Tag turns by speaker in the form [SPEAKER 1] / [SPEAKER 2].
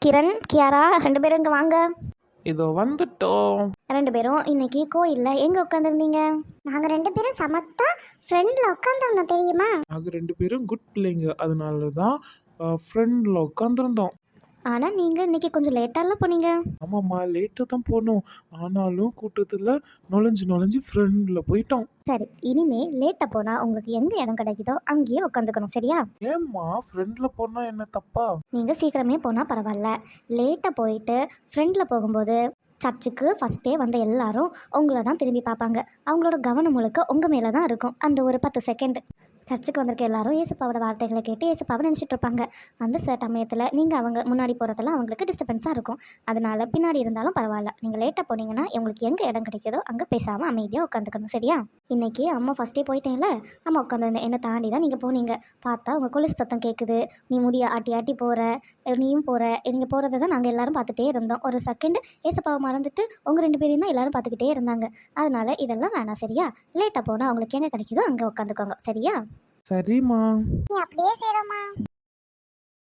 [SPEAKER 1] கிரண், கியாரா 2 பேரும் இங்கே வாங்க.
[SPEAKER 2] இதோ வந்துட்டோம்.
[SPEAKER 1] 2 பேரும் இன்னைக்கு கோயிலில் எங்கே உட்காந்துருந்தீங்க?
[SPEAKER 3] நாங்கள் 2 பேரும் சமத்தா ஃப்ரெண்டில் உட்காந்துருந்தோம் தெரியுமா?
[SPEAKER 2] நாங்கள் 2 பேரும் குட் பிள்ளைங்க, அதனால தான் ஃப்ரெண்டில் உட்காந்துருந்தோம்.
[SPEAKER 1] ஆனால் நீங்கள் இன்னைக்கு கொஞ்சம் லேட்டாலாம் போனீங்க.
[SPEAKER 2] ஆமாம்மா, லேட்டாக தான் போனோம். ஆனாலும் கூட்டத்தில் நுழைஞ்சு ஃப்ரெண்டில் போயிட்டோம்.
[SPEAKER 1] சரி, இனிமே லேட்டாக போனால் உங்களுக்கு எங்கே இடம் கிடைக்குதோ அங்கேயே உட்காந்துக்கணும், சரியா?
[SPEAKER 2] ஏம்மா ஃப்ரெண்டில் போனால் என்ன தப்பா?
[SPEAKER 1] நீங்கள் சீக்கிரமே போனால் பரவாயில்ல. லேட்டாக போயிட்டு ஃப்ரெண்டில் போகும்போது சர்ச்சுக்கு ஃபஸ்ட்டே வந்த எல்லாரும் உங்களை தான் திரும்பி பார்ப்பாங்க. அவங்களோட கவனம் முழுக்க உங்கள் மேலே தான் இருக்கும். அந்த ஒரு 10 செகண்ட் சர்ச்சுக்கு வந்திருக்க எல்லாரும் ஏசப்பாவோட வார்த்தைகளை கேட்டு ஏசப்பாவை நினச்சிட்டு இருப்பாங்க. அந்த சமயத்தில் நீங்கள் அவங்க முன்னாடி போகிறதெல்லாம் அவங்களுக்கு டிஸ்டர்பன்ஸாக இருக்கும். அதனால பின்னாடி இருந்தாலும் பரவாயில்ல, நீங்கள் லேட்டாக போனீங்கன்னா உங்களுக்கு எங்கே இடம் கிடைக்குதோ அங்கே பேசாமல் அமைதியாக உட்காந்துக்கணும், சரியா? இன்றைக்கி அம்மா ஃபஸ்ட்டே போயிட்டேன்ல, அம்மா உட்காந்துருந்தேன். என்னை தாண்டி தான் நீங்கள் போனீங்க. பார்த்தா உங்கள் கொலுசு சத்தம் கேட்குது. நீ முடிய ஆட்டி போகிற, நீயும் போகிற. நீங்கள் போகிறத தான் நாங்கள் எல்லோரும் பார்த்துட்டே இருந்தோம். ஒரு செகண்ட் ஏசப்பாவை மறந்துட்டு உங்கள் 2 பேரையும் தான் எல்லோரும் பார்த்துக்கிட்டே இருந்தாங்க. அதனால இதெல்லாம் வேணாம், சரியா? லேட்டாக போனால் அவங்களுக்கு எங்கே கிடைக்குதோ அங்கே உட்காந்துக்கோங்க, சரியா?
[SPEAKER 2] சரிம்மா.
[SPEAKER 3] நீ அப்படியே செய்கிறோமா?